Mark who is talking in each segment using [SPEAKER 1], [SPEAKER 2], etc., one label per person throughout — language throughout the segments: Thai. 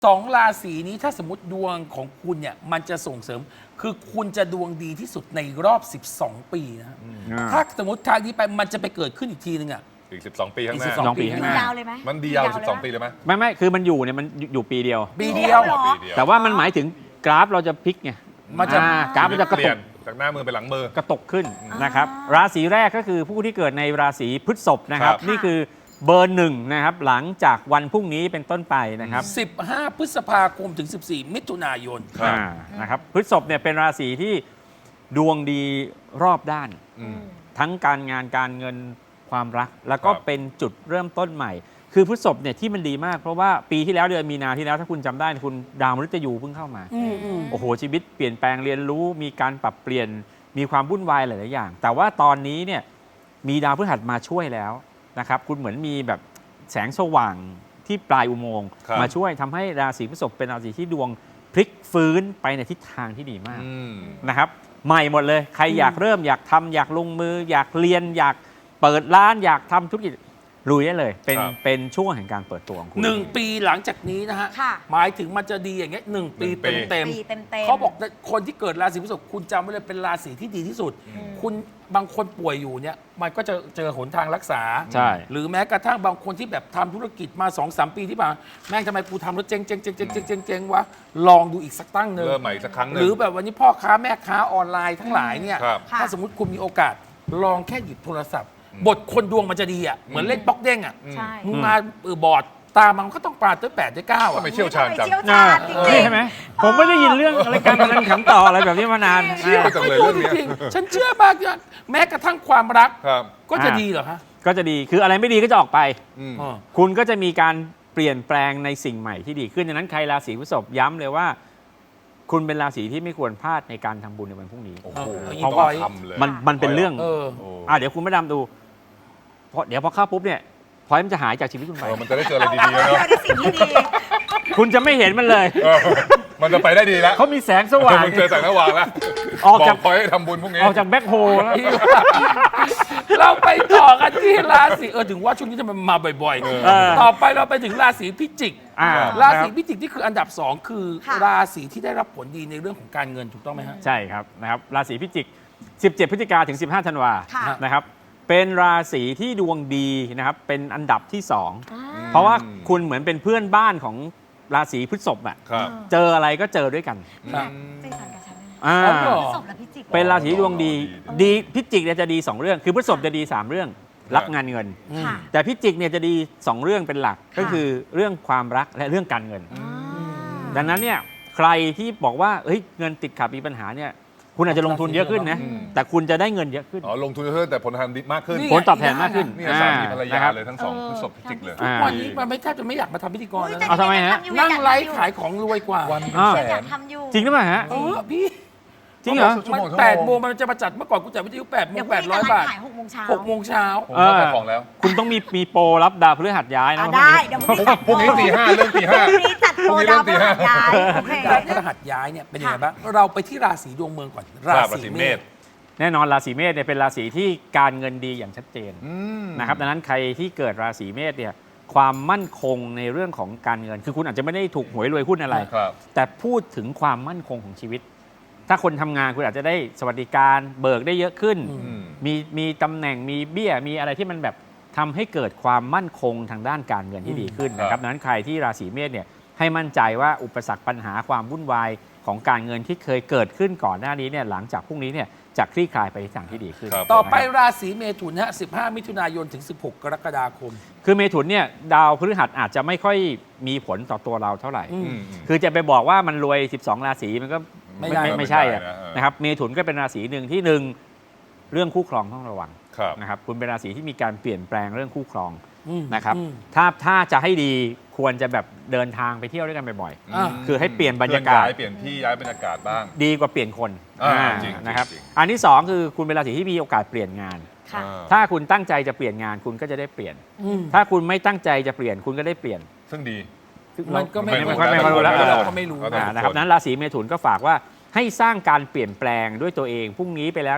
[SPEAKER 1] ราศีนี้ถ้าสมมติดวงของคุณเนี่ยมันจะส่งเสริม คือคุณจะดวงดีที่สุดในรอบ 12 ปีนะถ้าสมมติทางนี้ไปมันจะไปเกิดขึ้นอีกทีนึงอ่ะ
[SPEAKER 2] อีก12 ปีข้างหน้า
[SPEAKER 1] อีก12 ปีข้างหน้า
[SPEAKER 3] ยาวเลยไหม
[SPEAKER 2] มันดียาว12 ปีเลยไหม
[SPEAKER 4] ไม่คือมันอยู่เนี่ยมันอยู่ปีเดียว
[SPEAKER 1] ปีเดียว
[SPEAKER 3] เหรอ
[SPEAKER 2] ปีเดียว
[SPEAKER 4] แต่ว่ามันหมายถึงกราฟเราจะพลิกไง
[SPEAKER 1] มันจะ
[SPEAKER 4] กราฟมันจะกระ
[SPEAKER 2] เปลี่
[SPEAKER 4] ตุ
[SPEAKER 2] ยน
[SPEAKER 4] ก
[SPEAKER 2] จากหน้ามือไปหลังมือ
[SPEAKER 4] กระตกขึ้นนะครับราศีแรกก็คือผู้ที่เกิดในราศีพฤษภนะครับ
[SPEAKER 2] ครับ
[SPEAKER 4] นี่คือเบอร์หนึ่งนะครับหลังจากวันพรุ่งนี้เป็นต้นไปนะครับ
[SPEAKER 1] 15 พฤษภาคมถึง 14 มิถุนายน
[SPEAKER 2] ครับ
[SPEAKER 4] นะครับพฤษภเนี่ยเป็นราศีที่ดวงดีรอบด้าน
[SPEAKER 2] อืม
[SPEAKER 4] ทั้งการงานการเงินความรัก แล้วก็
[SPEAKER 2] ครับ
[SPEAKER 4] เป็นจุดเริ่มต้นใหม่ คือพฤษภเนี่ยที่มันดีมากเพราะว่าปีที่แล้วเดือนมีนาที่แล้วถ้าคุณจำได้คุณดาวมฤตยูเพิ่งเข้ามา โอ้โหชีวิตเปลี่ยนแปลงเรียนรู้มีการปรับเปลี่ยนมีความวุ่นวายหลาย ๆ อย่าง แต่ว่าตอนนี้เนี่ยมีดาวพฤหัสมาช่วยแล้วนะครับคุณเหมือนมีแบบแสงสว่างที่ปลายอุโมงค์
[SPEAKER 2] ครับ
[SPEAKER 4] มาช่วยทำให้ราศีพฤษภเป็นราศีที่ดวงพลิกฟื้นไปในทิศทางที่ดีมาก
[SPEAKER 2] อืม
[SPEAKER 4] นะครับใหม่หมดเลยใครอยากเริ่มอยากทำอยากลงมือ อยากเรียนอยากเปิดร้านอยากทำธุรกิจลุยได้เลยเป็นช่วงแห่งการเปิดตัวของคุณ
[SPEAKER 1] 1 ปีหลังจากนี้นะฮะ
[SPEAKER 3] ค่ะ
[SPEAKER 1] หมายถึงมันจะดีอย่างเงี้ย1 ปี
[SPEAKER 2] 1 ปี
[SPEAKER 1] เต็ม
[SPEAKER 3] ปีเต็ม
[SPEAKER 1] ๆเขาบอกคนที่เกิดราศีพฤษภคุณจำไว้เลยเป็นราศีที่ดีที่สุด คุณบางคนป่วยอยู่เนี่ยมันก็จะเจอหนทางรักษา
[SPEAKER 4] ใช่
[SPEAKER 1] หรือแม้กระทั่งบางคนที่แบบทำธุรกิจมา 2-3 ปีที่ผ่านมาแม่งทำไมกูทำแล้วเจ๊งวะลองดูอีกสักตั้งหนึ่ง
[SPEAKER 2] เริ่มใหม่อีกสักครั้งหนึ่ง
[SPEAKER 1] หรือแบบวันนี้พ่อค้าแม่ค้าออนไลน์ทั้งหลายเนี่ย
[SPEAKER 2] ครับ
[SPEAKER 1] ถ้าสมมติคุณมีโอกาสลองแค่หยิบโทรศัพท์ บทคนดวงมันจะดีอ่ะเหมือนเล่นป๊อกเด้งอ่ะ
[SPEAKER 3] ใช่
[SPEAKER 1] มึงมาบอร์ดตามันก็ต้องปาด้วย8ด้วย9
[SPEAKER 2] ทำ
[SPEAKER 1] อ่ะ
[SPEAKER 2] ไมเชี่ยวชาญจัง
[SPEAKER 3] เชี่ยวชาญจริง
[SPEAKER 4] นี่ใช่ไหมผมไม่ได้ยินเรื่องอะไรการพนันขันต่ออะไรแบบนี้มานาน
[SPEAKER 2] เชี่ยวจังเลย
[SPEAKER 1] ไม่
[SPEAKER 2] เรื่องเนี้ย
[SPEAKER 1] จริงๆฉันเชื่อมากว่าแม้กระทั่งความรัก
[SPEAKER 2] ครับ
[SPEAKER 1] ก็จะดีเหรอคะ
[SPEAKER 4] ก็จะดีคืออะไรไม่ดีก็จะออกไป
[SPEAKER 2] อืม
[SPEAKER 1] อ๋อ
[SPEAKER 4] คุณก็จะมีการเปลี่ยนแปลงในสิ่งใหม่ที่ดีขึ้นดังนั้นใครราศีพฤษภย้ำเลยว่า คุณเป็นราศีที่ไม่ควรพลาดในการทำบุญในวันพรุ่งนี้
[SPEAKER 2] โอ้โห
[SPEAKER 1] เพราะว่า
[SPEAKER 2] ทำเลย
[SPEAKER 4] มันเป็นเรื่อง
[SPEAKER 1] เออ
[SPEAKER 2] โอ้
[SPEAKER 4] เดี๋ยวคุณไม่ดำดูเดี๋ยวพอเข้าปุ๊บเนี่ยพอยมันจะหายจากชีวิตคุณไป
[SPEAKER 2] มันจะได้เจออะไร
[SPEAKER 3] ๆ
[SPEAKER 2] ดีๆแล้ว
[SPEAKER 3] เจ
[SPEAKER 2] เนาะ
[SPEAKER 3] อได้สิ่งที่ดี
[SPEAKER 4] คุณจะไม่เห็นมันเลย
[SPEAKER 2] เออมันจะไปได้ดีแล้ว
[SPEAKER 4] เขามีแสงสว่าง
[SPEAKER 2] มึงเจอแสงสว่างแล้ว
[SPEAKER 4] ออกจาก
[SPEAKER 2] บคอยให้ทำบุญพวกนี้
[SPEAKER 4] ออกจากแบ็คโฮลแล้ว
[SPEAKER 1] เราไปต่อกันที่ราศีถึงว่าช่วงนี้จะมันมาบ่อย
[SPEAKER 4] เออ
[SPEAKER 1] ๆ ต่อไปเราไปถึงราศีพิจิก ราศี
[SPEAKER 4] นะครับ
[SPEAKER 1] พิจิกที่คืออันดับ 2 คือ
[SPEAKER 3] ค่ะ
[SPEAKER 1] ราศีที่ได้รับผลดีในเรื่องของการเงินถูกต้องไหมฮะ
[SPEAKER 4] ใช่ครับนะครับราศีพิจิก 17 พฤศจิกาถึง 15 ธันวา
[SPEAKER 3] ค่ะ
[SPEAKER 4] นะครับเป็นราศีที่ดวงดีนะครับเป็นอันดับที่ 2
[SPEAKER 3] อ่า
[SPEAKER 4] เพราะว่าคุณเหมือนเป็นเพื่อนบ้านของราศีพฤษภอะ
[SPEAKER 2] ครับ
[SPEAKER 4] เจออะไรก็เจอด้วยกัน
[SPEAKER 1] ครับ
[SPEAKER 3] ใจสั่นกับฉันนะ
[SPEAKER 4] อ่า
[SPEAKER 1] อ๋อเหรอ
[SPEAKER 3] พฤษภและพิจิก
[SPEAKER 4] เป็นราศีดวงดีดีพิจิกเนี่ยจะดี 2 เรื่อง คือพฤษภจะดี 3 เรื่องรับงานเงิน
[SPEAKER 3] ค่ะ
[SPEAKER 4] แต่พิจิกเนี่ยจะดี 2 เรื่องเป็นหลัก
[SPEAKER 3] ค่ะ
[SPEAKER 4] ก็คือเรื่องความรักและเรื่องการเงิน
[SPEAKER 3] อ่า
[SPEAKER 4] ดังนั้นเนี่ยใครที่บอกว่าเฮ้ยเงินติดขัดมีปัญหาเนี่ยคุณอาจจะลงทุนเยอะขึ้นนะ
[SPEAKER 2] อืม
[SPEAKER 4] แต่คุณจะได้เงินเยอะขึ้น
[SPEAKER 2] อ๋อลงทุนเพิ่มแต่ผลทางดีมากขึ้น
[SPEAKER 1] นี่
[SPEAKER 4] ผลตอบแทนมากขึ้น
[SPEAKER 2] นี่สามีภรรยา
[SPEAKER 4] นะครับ
[SPEAKER 2] เลยทั้งสองพฤษภพิจิกเลย
[SPEAKER 4] อ่า
[SPEAKER 1] วันนี้มันไม่แทบจะไม่อยากมาทำพิธีกรแล้ว
[SPEAKER 3] แต่
[SPEAKER 1] นะ
[SPEAKER 4] เอาทำไมฮะ
[SPEAKER 3] อยู่
[SPEAKER 1] นั่ง
[SPEAKER 3] อยก
[SPEAKER 1] ไล
[SPEAKER 3] ทำอยู่
[SPEAKER 1] ฟ์ขายของรวยกว่า
[SPEAKER 2] วันเป็น
[SPEAKER 4] อ้าว
[SPEAKER 2] แส
[SPEAKER 3] อยาน กทำอยู่
[SPEAKER 4] จริงหรือเปล่าฮะ
[SPEAKER 1] พี่
[SPEAKER 4] จริงเหรอ
[SPEAKER 2] ชั่ว
[SPEAKER 1] มัน
[SPEAKER 2] โมง
[SPEAKER 1] 8 โมงมันจะมาจัดเมื่อก่อนกูจัดวิทยุ8 โม
[SPEAKER 3] เดี๋ย
[SPEAKER 1] ง
[SPEAKER 3] วพรุ่งนี้จะ
[SPEAKER 1] 800
[SPEAKER 3] ไล
[SPEAKER 1] บาท
[SPEAKER 3] ฟ์ขาย6 โมงเช้า
[SPEAKER 1] 6 โมงเช้า
[SPEAKER 2] ผมเข้าขายของแล้ว
[SPEAKER 4] คุณต้องมีโปรรับดาวพฤหัสย้ายนะ
[SPEAKER 3] ได้เดี๋ยวพรุ่งนี้จัด
[SPEAKER 2] พรุ่งนี้ตี 5เรื่องตี
[SPEAKER 3] พรุ่งนี้จัดโปรดาวพฤหัสย้ายโอเค
[SPEAKER 1] ดาวพฤหัสย้ายเนี่ยเป็นยังไงบ้างเราไปที่ราศีดวงเมืองก่อน
[SPEAKER 2] 5ราศีเมษ
[SPEAKER 4] แน่นอนราศีเมษเนี่ยเป็นราศีที่การเงินดีอย่างชัดเจน
[SPEAKER 2] อืม
[SPEAKER 4] นะครับดังนั้นใครที่เกิดราศีเมษเนี่ยความมั่นคงในเรื่องของการเงิน คือคุณอาจจะไม่ได้ถูกหวยรวยหุ้นอะไร
[SPEAKER 2] ครับ
[SPEAKER 4] แต่พูดถึงความมั่นคงของชีวิต ถ้าคนทำงานคุณอาจจะได้สวัสดิการเบิกได้เยอะขึ้น
[SPEAKER 2] อืม
[SPEAKER 4] มีตำแหน่งมีเบี้ยมีอะไรที่มันแบบทำให้เกิดความมั่นคงทางด้านการเงินที่ดีขึ้นนะค
[SPEAKER 2] ครั
[SPEAKER 4] รับบ ดังนั้นใครที่ราศีเมษเนี่ยให้มั่นใจว่าอุปสรรคปัญหาความวุ่นวายของการเงินที่เคยเกิดขึ้นก่อนหน้านี้เนี่ยหลังจากพรุ่งนี้เนี่ยจะคลี่คลายไปในทางที่ดีขึ้น
[SPEAKER 2] ครับ
[SPEAKER 1] ต่อไป
[SPEAKER 4] นะครับ
[SPEAKER 1] ราศีเมถุนฮะ15 มิถุนายนถึง 16 กรกฎาคม
[SPEAKER 4] คือเมถุนเนี่ยดาวพฤหัสอาจจะไม่ค่อยมีผลต่อตัวเราเท่าไหร่
[SPEAKER 1] อืม
[SPEAKER 2] อืม
[SPEAKER 4] คือจะไปบอกว่ามันรวย 12 ราศีมันก็
[SPEAKER 1] ไม่ได้
[SPEAKER 4] ไม่ใช่อะ
[SPEAKER 2] ไม่ได้นะ
[SPEAKER 4] นะครับเมถุนก็เป็นราศีหนึ่งที่หนึ่งเรื่องคู่ครองต้องระวัง
[SPEAKER 2] ครับ
[SPEAKER 4] นะครับคุณเป็นราศีที่มีการเปลี่ยนแปลงเรื่องคู่ครอง
[SPEAKER 1] อืม
[SPEAKER 4] นะครับ
[SPEAKER 1] อืม
[SPEAKER 4] ถ้าจะให้ดีควรจะแบบเดินทางไปเที่ยวด้วยกันบ่อย
[SPEAKER 1] อ่า
[SPEAKER 4] คือให้เปลี่ยนบรรยากาศ
[SPEAKER 2] เปลี่ยนที่ย้ายบรรยากาศบ้าง
[SPEAKER 4] ๆ ดีกว่าเปลี่ยนคน
[SPEAKER 2] จริง
[SPEAKER 4] นะครับ
[SPEAKER 2] จริง
[SPEAKER 4] อันที่สองคือคุณเป็นราศีที่มีโอกาสเปลี่ยนงาน
[SPEAKER 3] ค่ะ
[SPEAKER 4] ถ้าคุณตั้งใจจะเปลี่ยนงานคุณก็จะได้เปลี่ยน
[SPEAKER 1] อืม
[SPEAKER 4] ถ้าคุณไม่ตั้งใจจะเปลี่ยนคุณก็ได้เปลี่ยน
[SPEAKER 2] ซึ่งดี
[SPEAKER 1] มันก็ไม่
[SPEAKER 4] ไม่รู้แล้ว
[SPEAKER 1] เราก็ไม่รู้
[SPEAKER 2] เอาแต่
[SPEAKER 4] นะครับนั้นราศีเมถุนก็ฝากว่าให้สร้างการเปลี่ยนแปลงด้วยตัวเองพรุ่งนี้ไปแล้วเนี่ย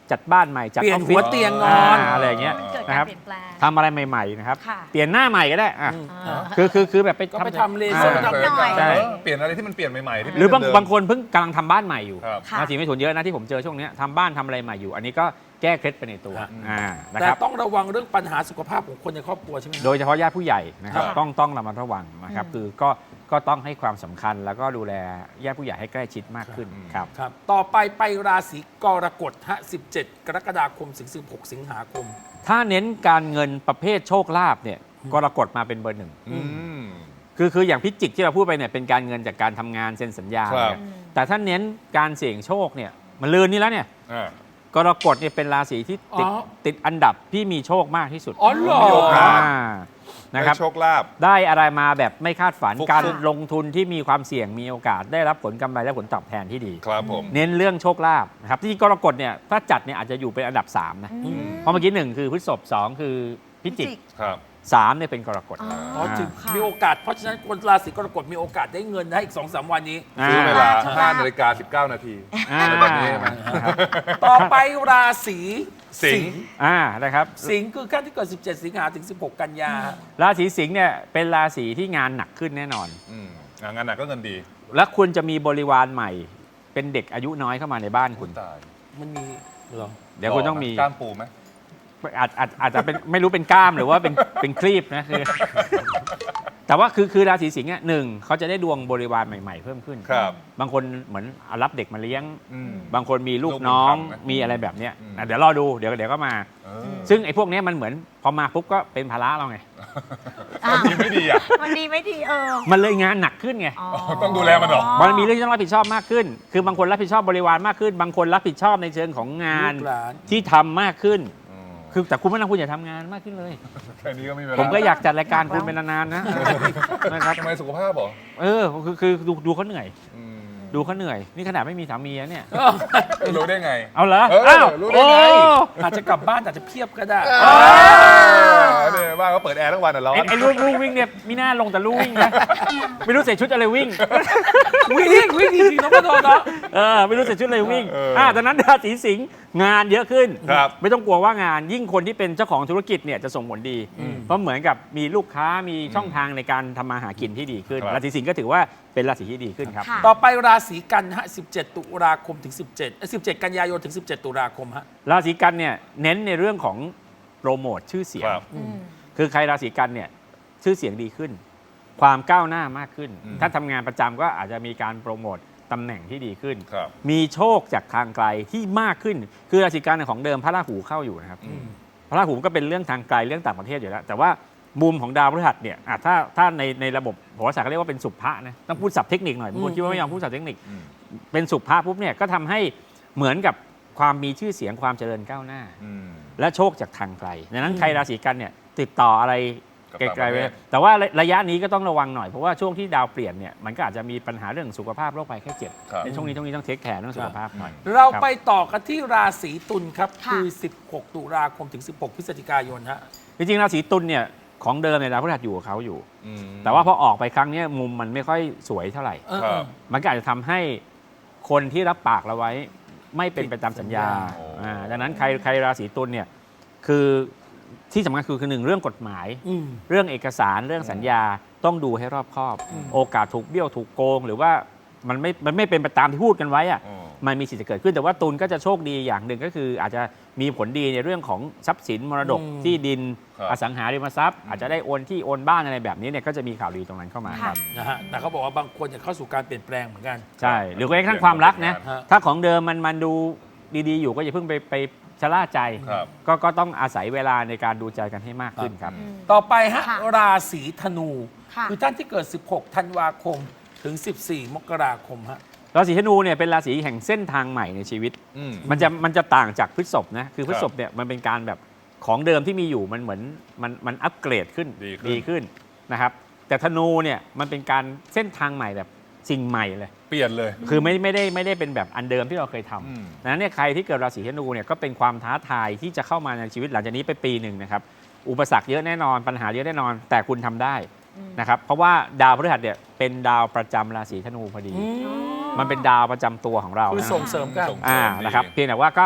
[SPEAKER 4] จัดบ้านใหม่จัด
[SPEAKER 1] เปลี่
[SPEAKER 4] อย
[SPEAKER 1] น
[SPEAKER 4] อฟ
[SPEAKER 1] หั
[SPEAKER 4] ฟิ
[SPEAKER 1] ว
[SPEAKER 4] ศ
[SPEAKER 1] เตียงนอน
[SPEAKER 4] อะไรอย่างเงี้ย
[SPEAKER 3] มันเกิด
[SPEAKER 4] นะ
[SPEAKER 3] กา
[SPEAKER 4] ค
[SPEAKER 3] ร
[SPEAKER 4] รับ
[SPEAKER 3] เปลี่ยนแปลง
[SPEAKER 4] ทำอะไรใหม่ๆนะครับ
[SPEAKER 3] ค่ะ
[SPEAKER 4] เปลี่ยนหน้าใหม่ก็ได้อ่ะ
[SPEAKER 3] อ่า
[SPEAKER 4] คือแบบไป
[SPEAKER 1] ก็ไปทำเลเซอร์
[SPEAKER 4] อ่า
[SPEAKER 1] ทำนิดหน่อย
[SPEAKER 4] ใช่
[SPEAKER 2] เปลี่ยนอะไรที่มันเปลี่ยนใหม่ๆที่ไม่
[SPEAKER 4] หรือบาง
[SPEAKER 2] เดิม
[SPEAKER 4] บางคนเพิ่งกำลังทำบ้านใหม่อยู่
[SPEAKER 2] ครับ
[SPEAKER 3] ค่ะ
[SPEAKER 4] ราศีเมถุนเยอะนะที่ผมเจอช่วงเนี้ยทำบ้านทำอะไรใหม่อยู่ อันนี้ก็แก้เคล็ดไปในตัว
[SPEAKER 1] ครับ
[SPEAKER 4] นะ
[SPEAKER 1] แต่
[SPEAKER 4] ครับ
[SPEAKER 1] ต้องระวังเรื่องปัญหาสุขภาพของคนในครอบครัวใช่ไหม
[SPEAKER 4] โดยเฉพาะญาติผู้ใหญ่นะครับ
[SPEAKER 2] ครับ
[SPEAKER 4] ต้องระมัดระวังนะครับ คือก็ต้องให้ความสำคัญแล้วก็ดูแลญาติผู้ใหญ่ให้ใกล้ชิดมากขึ้นครับ
[SPEAKER 1] ครับ ต่อไปราศีกรกฎฮะ17 กรกฎาคมถึง16 สิงหาคม
[SPEAKER 4] ถ้าเน้นการเงินประเภทโชคลาภเนี่ยกรกฎมาเป็นเบอร์หนึ่ง
[SPEAKER 2] อืม
[SPEAKER 4] คืออย่างพิจิกที่เราพูดไปเนี่ยเป็นการเงินจากการทำงานเซ็นสัญญา
[SPEAKER 2] ครับ
[SPEAKER 4] เนี่ยแต่ถ้าเน้นการเสี่ยงโชคเนี่ยมันลืนนี่แล้วเนี่ย
[SPEAKER 2] อ่า
[SPEAKER 4] กรกฎเนี่ยเป็นราศีที่ติด
[SPEAKER 1] อ๋อ
[SPEAKER 4] ติดอันดับที่มีโชคมากที่สุด
[SPEAKER 1] อ๋อเหรอ
[SPEAKER 2] มีโอกาส
[SPEAKER 4] นะครับ
[SPEAKER 2] ได้โชคลาภ
[SPEAKER 4] ได้อะไรมาแบบไม่คาดฝัน
[SPEAKER 2] ฟุกๆ
[SPEAKER 4] การลงทุนที่มีความเสี่ยงมีโอกาสได้รับผลกำไรและผลตอบแทนที่ดี
[SPEAKER 2] ครับผม
[SPEAKER 4] เน้นเรื่องโชคลาภนะครับที่กรกฎเนี่ยถ้าจัดเนี่ยอาจจะอยู่เป็นอันดับ 3 นะ
[SPEAKER 3] อืม
[SPEAKER 4] เพราะเมื่อกี้ 1 คือพฤษภ2 คือพิจิก
[SPEAKER 2] ครับ
[SPEAKER 4] 3เนี่ยเป็นกรกฎ
[SPEAKER 3] อ๋อ
[SPEAKER 1] อ๋อจึง
[SPEAKER 3] ค่ะ
[SPEAKER 1] มีโอกาส เพราะฉะนั้นคนราศีกรกฎมีโอกาสได้เงินได้อีก 2-3 วันนี้
[SPEAKER 2] ซื้อเวลา
[SPEAKER 3] อ่า
[SPEAKER 2] 5 นาฬิกา 19 นาที
[SPEAKER 4] อ่า
[SPEAKER 2] อะไรแบบนี้ใช่ไหม
[SPEAKER 1] ต่อไปราศี
[SPEAKER 2] สิงห์
[SPEAKER 4] นะครับ
[SPEAKER 1] สิงห์คือขั้นที่เกิด 17 สิงหาถึง 16 กันยา
[SPEAKER 4] ราศีสิงห์เนี่ยเป็นราศีที่งานหนักขึ้นแน่นอน
[SPEAKER 2] อืมงานหนักก็เงินดี
[SPEAKER 4] และคุณจะมีบริวารใหม่ เป็นเด็กอายุน้อยเข้ามาในบ้านคุณ
[SPEAKER 2] ตาย
[SPEAKER 1] มันมีเหรอ
[SPEAKER 4] เดี๋ยวคุณต้องมี
[SPEAKER 2] กล้ามปูไหม
[SPEAKER 4] อาจจะเป็นไม่รู้เป็นกล้ามหรือว่าเป็นครีบนะคือ แต่ว่าคือราศีสิงห์เนี่ยหนึ่งเขาจะได้ดวงบริวารใหม่ๆเพิ่มขึ้น
[SPEAKER 2] ครับ
[SPEAKER 4] บางคนเหมือนเอารับเด็กมาเลี้ยง
[SPEAKER 2] อืม
[SPEAKER 4] บางคนมีลูก
[SPEAKER 2] ลูก
[SPEAKER 4] น้อง
[SPEAKER 2] บุญธรรมนะ
[SPEAKER 4] มีอะไรแบบเนี้ย
[SPEAKER 2] อืม
[SPEAKER 4] เดี๋ยวรอดูเดี๋ยวก็มา
[SPEAKER 2] เออ
[SPEAKER 4] ซึ่งไอ้พวกเนี้ยมันเหมือนพอมาปุ๊บก็เป็นภาระเราไง
[SPEAKER 3] อ้าว
[SPEAKER 2] ดีไม่ดีอ่ะ
[SPEAKER 3] มันดีไม่ดี
[SPEAKER 4] มันเลยงานหนักขึ้นไง
[SPEAKER 3] อ๋อ
[SPEAKER 2] ต้องดูแลมันเหรอ
[SPEAKER 4] มันมีเรื่องที่ต้องรับผิดชอบมากขึ้น คือบางคนรับผิดชอบบริวารมากขึ้น บางคนรับผิดชอบในเชิงของงาน
[SPEAKER 1] ลูกหลาน
[SPEAKER 4] ที่ทำมากขึ้น
[SPEAKER 2] อืม
[SPEAKER 4] คือแต่คุณไม่ต้องคุณอย่าทำงานมากขึ้นเลย
[SPEAKER 2] แค่นี้ก็ไม่มีเวลา
[SPEAKER 4] ผมก็อยากจัดรายการคุณเป็นนานๆนะ นะครับ
[SPEAKER 2] ทำไมสุขภาพเหรอ
[SPEAKER 4] คือดูเขาเหนื่อย
[SPEAKER 2] อืม
[SPEAKER 4] ดูเขาเหนื่อย นี่ขนาดไม่มีสามีนะเนี่ย
[SPEAKER 2] รู้ได้ไง
[SPEAKER 4] เอาเหรอ
[SPEAKER 2] เออ
[SPEAKER 4] อ้าว
[SPEAKER 2] รู้ได้ไง
[SPEAKER 4] โอ้
[SPEAKER 1] อาจจะกลับบ้านอาจจะเพียบก็ได้
[SPEAKER 2] เนี่ยบ้านก็เปิดแอร์ทั้งวันอ่ะร้อน
[SPEAKER 4] ไอ้ลูกวิ่งเนี่ยมีหน้าลงแต่ลูกวิ่งนะ ไม่รู้ใส่ชุดอะไรวิ่ง
[SPEAKER 1] วิ่งจริงๆน้องกระโดดเนาะ
[SPEAKER 4] ไม่รู้ใส่ชุดอะไรวิ่ง
[SPEAKER 2] เออ
[SPEAKER 4] ดังนั้นราศีสิงห์งานเยอะขึ้น
[SPEAKER 2] ครับ
[SPEAKER 4] ไม่ต้องกลัวว่างานยิ่งคนที่เป็นเจ้าของธุรกิจเนี่ยจะส่งผลดี เพราะเหมือนกับมีลูกค้ามีช่องทางในการทำมาหากินที่ดีขึ้น
[SPEAKER 2] ครับ
[SPEAKER 4] ราศีสิงห์ก็ถือว่าเป็นราศีที่ดีขึ้นครับ
[SPEAKER 3] ค่ะ
[SPEAKER 1] ต่อไปราศีกันฮะ 17 ตุลาคมถึง 17 กันยายนถึง 17 ตุลาคมฮะ
[SPEAKER 4] ราศีกันเนี่ยเน้นในเรื่องของโปรโมทชื่อเสียง
[SPEAKER 2] ครับ
[SPEAKER 3] อืม
[SPEAKER 4] คือใครราศีกันเนี่ยชื่อเสียงดีขึ้น ความก้าวหน้ามากขึ้น
[SPEAKER 2] อืม
[SPEAKER 4] ถ้าทำงานประจำก็อาจจะมีการโปรโมทตำแหน่งที่ดีขึ้น
[SPEAKER 2] ครับ
[SPEAKER 4] มีโชคจากทางไกลที่มากขึ้น คือราศีกันของเดิมพระราหูเข้าอยู่นะครับ
[SPEAKER 2] อืม
[SPEAKER 4] พระราหูก็เป็นเรื่องทางไกลเรื่องต่างประเทศอยู่แล้ว แต่ว่ามุมของดาวพฤหัสเนี่ยถ้าในระบบโหราศาสตร์เขาเรียกว่าเป็นสุภะนะต้องพูดศัพท์เทคนิคหน่อยบางคนคิดว่าไม่ยอมพูดศัพท์เทคนิค
[SPEAKER 2] อืม
[SPEAKER 4] เป็นสุภะปุ๊บเนี่ยก็ทำให้เหมือนกับความมีชื่อเสียงความเจริญก้าวหน้า
[SPEAKER 2] อืม
[SPEAKER 4] และโชคจากทางไกลดังนั้นใครราศีกันเนี่ยติดต่ออะไร
[SPEAKER 2] กับ
[SPEAKER 4] ไกล
[SPEAKER 2] ต่างประ
[SPEAKER 4] ๆ
[SPEAKER 2] เท
[SPEAKER 4] ไว้
[SPEAKER 2] ศ
[SPEAKER 4] แต่ว่าระยะนี้ก็ต้องระวังหน่อย เพราะว่าช่วงที่ดาวเปลี่ยนเนี่ยมันก็อาจจะมีปัญหาเรื่องสุขภาพโรคภัยแค่เจ็บ
[SPEAKER 2] ครับ
[SPEAKER 4] ในช่วงนี้ต้องเทคแคร์เรื่องสุขภาพหน่อย
[SPEAKER 1] เราไปต่อกันที่ราศีตุลครับ
[SPEAKER 3] ค่ะ
[SPEAKER 1] คือ 16 ตุลาคมถึง 16 พฤศจิกายนฮะ
[SPEAKER 4] จริงๆราศีตุลเนี่ยของเดิมเนี่ยดาวพฤหัสอยู่กับเขาอยู่
[SPEAKER 2] อืม
[SPEAKER 4] แต่ว่าพอออกไปครั้งเนี้ยมุมมันไม่ค่อยสวยเท่าไหร่
[SPEAKER 2] ครับ
[SPEAKER 4] มันก็อาจจะทำให้คนที่รับปากเราไว้ไม่เป็นไปตามสัญญา
[SPEAKER 2] โอ้
[SPEAKER 4] ดังนั้นใครราศีตุลเนี่ยคือที่สำคัญคือหนึ่งเรื่องกฎหมาย
[SPEAKER 1] อืม
[SPEAKER 4] เรื่องเอกสารเรื่องสัญญาต้องดูให้รอบคอบ โอกาสถูกเบี้ยวถูกโกง หรือว่ามันไม่เป็นไปตามที่พูดกันไว้อะ
[SPEAKER 2] อืม
[SPEAKER 4] มันมีสิทธิ์จะเกิดขึ้น แต่ว่าตุลก็จะโชคดีอย่างหนึ่งก็คือ อาจจะมีผลดีในเรื่องของทรัพย์สินมรดก
[SPEAKER 1] อืม
[SPEAKER 4] ที่ดิน
[SPEAKER 2] ครับ
[SPEAKER 4] อสังหาริมทรัพย์ อาจจะได้โอนที่โอนบ้านอะไรแบบนี้เนี่ยก็จะมีข่าวดีตรงนั้นเข้ามา
[SPEAKER 3] ค่ะ
[SPEAKER 1] นะฮะแต่เขาบอกว่าบางคนจะเข้าสู่การเปลี่ยนแปลงเหมือนกัน
[SPEAKER 4] ใช่หรือแม้กระทั่งความรักนะ
[SPEAKER 1] ฮะ
[SPEAKER 4] ถ้าของเดิมมันดูดีๆอยู่ก็อย่าเพิ่งไปชะล่าใจ
[SPEAKER 2] ครับ
[SPEAKER 4] ก็ต้องอาศัยเวลาในการดูใจกันให้มากขึ้นครับ
[SPEAKER 3] อืม
[SPEAKER 1] ต่อไปฮะ
[SPEAKER 3] ค่ะ
[SPEAKER 1] ราศีธนู
[SPEAKER 3] ค่ะ
[SPEAKER 1] คือท่านที่เกิด 16 ธันวาคมถึง 14 มกราคมฮะ
[SPEAKER 4] ราศีธนูเนี่ยเป็นราศีแห่งเส้นทางใหม่ในชีวิต
[SPEAKER 2] อืม
[SPEAKER 4] มันจะต่างจากพฤษภนะคือพฤษภเนี่ยมันเป็นการแบบของเดิมที่มีอยู่มันเหมือนมันอัปเกรดขึ้น
[SPEAKER 2] ดีขึ้น
[SPEAKER 4] ขึ้นนะครับแต่ธนูเนี่ยมันเป็นการเส้นทางใหม่แบบสิ่งใหม่เลย
[SPEAKER 2] เปลี่ยนเลย
[SPEAKER 4] คือไม่ได้เป็นแบบอันเดิมที่เราเคยท
[SPEAKER 2] อืม
[SPEAKER 4] ำดังนั้นเนี่ยใครที่เกิดราศีธนูเนี่ยก็เป็นความท้าทายที่จะเข้ามาในชีวิตหลังจากนี้ไปปีหนึ่งนะครับอุปสรรคเยอะแน่นอนปัญหาเยอะแน่นอน แต่คุณทำได้นะครับเพราะว่าดาวพฤหัสเนี่ยเป็นดาวประจำราศีธนูพอดี มันเป็นดาวประจำตัวของเรา
[SPEAKER 1] คือ
[SPEAKER 4] นะ
[SPEAKER 1] ส่งเสริมกัน
[SPEAKER 2] ส่งเสริมดี
[SPEAKER 4] นะครับเพียงแต่ว่าก็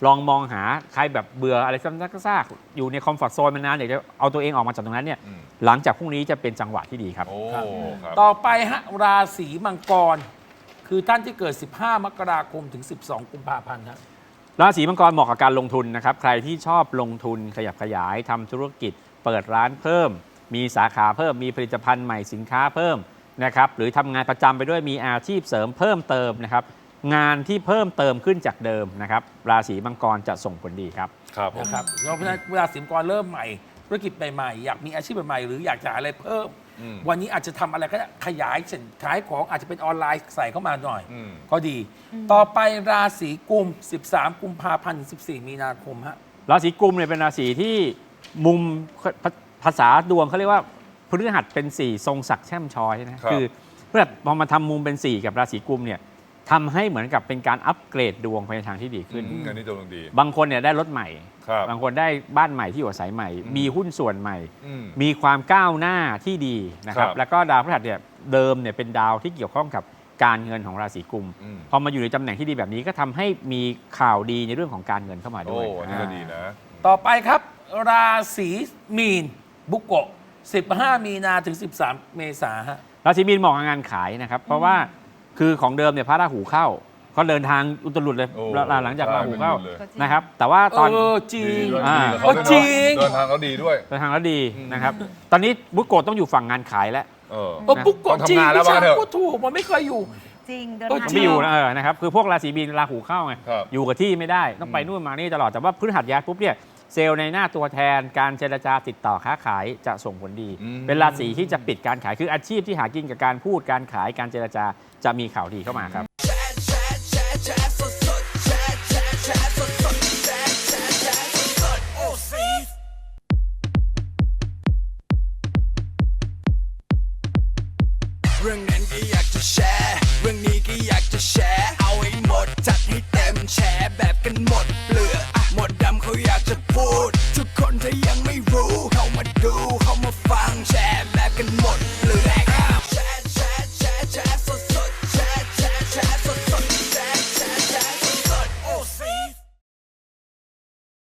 [SPEAKER 4] ลองมองหาใครแบบเบื่ออะไรซ้ำซากๆอยู่ในคอมฟอร์ทโซนมานานอยากจะเอาตัวเองออกมาจากตรงนั้นเนี่ยหลังจากพรุ่งนี้จะเป็นจังหวะที่ดีครับ
[SPEAKER 2] โอ้ครับ
[SPEAKER 1] ต่อไปฮะราศีมังกร คือท่านที่เกิด 15 มกราคมถึง 12 กุมภาพันธ์ครับ
[SPEAKER 4] ราศีมังกรเหมาะกับการลงทุนนะครับใครที่ชอบลงทุนขยับขยายทำธุรกิจ เปิดร้านเพิ่ม มีสาขาเพิ่มมีผลิตภัณฑ์ใหม่สินค้าเพิ่มนะครับหรือทำงานประจำไปด้วยมีอาชีพเสริมเพิ่มเติมนะครับงานที่เพิ่มเติมขึ้นจากเดิมนะครับราศีมังกรจะส่งผลดีครับ
[SPEAKER 2] ครับผม
[SPEAKER 1] นะครับเพราะฉะนั้นเวลาสิมกรเริ่มใหม่ธุรกิจใหม่ๆอยากมีอาชีพใหม่ๆหรืออยากจะหาอะไรเพิ่ม วันนี้อาจจะทำอะไรก็ได้ขยายเช่นขายของอาจจะเป็นออนไลน์ใส่เข้ามาหน่อย ก็ดี ต่อไปราศีกุม 13 กุมภาพันธ์ถึง 14 มีนาคมฮะ
[SPEAKER 4] ราศีกุมเนี่ยเป็นราศีที่มุมภาษาดวงเขาเรียกว่าพฤหัสเป็น 4 ทรงศักดิ์แช่มช้อยนะครับ คือเพื่อพอมาทำมุมเป็น 4 กับราศีกุมเนี่ยทำให้เหมือนกับเป็นการอัปเกรดดวงไปในทางที่ดีขึ้น
[SPEAKER 2] อันนี้ดวงดี
[SPEAKER 4] บางคนเนี่ยได้รถใหม่
[SPEAKER 2] ครับ
[SPEAKER 4] บางคนได้บ้านใหม่ที่อยู่อาศัยใหม่ มีหุ้นส่วนใหม่
[SPEAKER 2] อืม
[SPEAKER 4] มีความก้าวหน้าที่ดีนะครับ
[SPEAKER 2] ครับ
[SPEAKER 4] แล้วก็ดาวพฤหัสเนี่ยเดิมเนี่ยเป็นดาวที่เกี่ยวข้องกับการเงินของราศีกุม
[SPEAKER 2] อืม
[SPEAKER 4] พอมาอยู่ในตำแหน่งที่ดีแบบนี้ก็ทำให้มีข่าวดีในเรื่องของการเงินเข้ามา
[SPEAKER 2] โอ้
[SPEAKER 4] ด้วย
[SPEAKER 2] อันนี้ก็ดีนะ
[SPEAKER 1] ต่อไปครับ ราศีมีนบุกโกะ 15 มีนาถึง 13 เมษาฮะ
[SPEAKER 4] ราศีมีนเหมาะกับงานขายนะครับ เพราะว่าคือของเดิมเนี่ยพระราหูเข้าก็เดินทางอุตรุดเลย
[SPEAKER 2] โอ้
[SPEAKER 4] หลังจากราหูเข้า
[SPEAKER 2] ใช่เป็นบุญเลย
[SPEAKER 4] นะครับ แต่ว่าตอน
[SPEAKER 1] จริง
[SPEAKER 2] ดีด้วย
[SPEAKER 4] อ่า
[SPEAKER 2] ดีกับเขาด้วย
[SPEAKER 1] จริ
[SPEAKER 2] เนอะ
[SPEAKER 1] ง
[SPEAKER 2] เดินทางเขาดีด้วย
[SPEAKER 4] เดินทางแล้วดีนะครับ ตอนนี้บุกโกะต้องอยู่ฝั่งงานขายแล้ว
[SPEAKER 2] เออ
[SPEAKER 1] บุกโกะ
[SPEAKER 2] ต้อง
[SPEAKER 1] จริง
[SPEAKER 2] ทำงานแล้ว
[SPEAKER 1] พี่
[SPEAKER 2] ว่า
[SPEAKER 1] ช้าง
[SPEAKER 2] เถอะ
[SPEAKER 1] ก็ถูกมันไม่เคยอยู่
[SPEAKER 3] จริงเดิน
[SPEAKER 1] เออ
[SPEAKER 3] ทาง
[SPEAKER 1] จริ
[SPEAKER 4] ไม่
[SPEAKER 1] ง
[SPEAKER 4] อยู่นะนะครับคือพวกราศีมีนราหูเข้าไง
[SPEAKER 2] ครับ
[SPEAKER 4] อยู่กับที่ไม่ได้ต้องไปนู่นมานี่ตลอดแต่ว่าพฤหัสย้ายปุ๊บเนี่ยเซลล์ในหน้าตัวแทนการเจรจาติดต่อค้าขายจะส่งผลดี เป็นราศีที่จะปิดการขายคืออาชีพที่หากินกับการพูดการขายการเจรจาจะมีข่าวดีเข้ามาครับ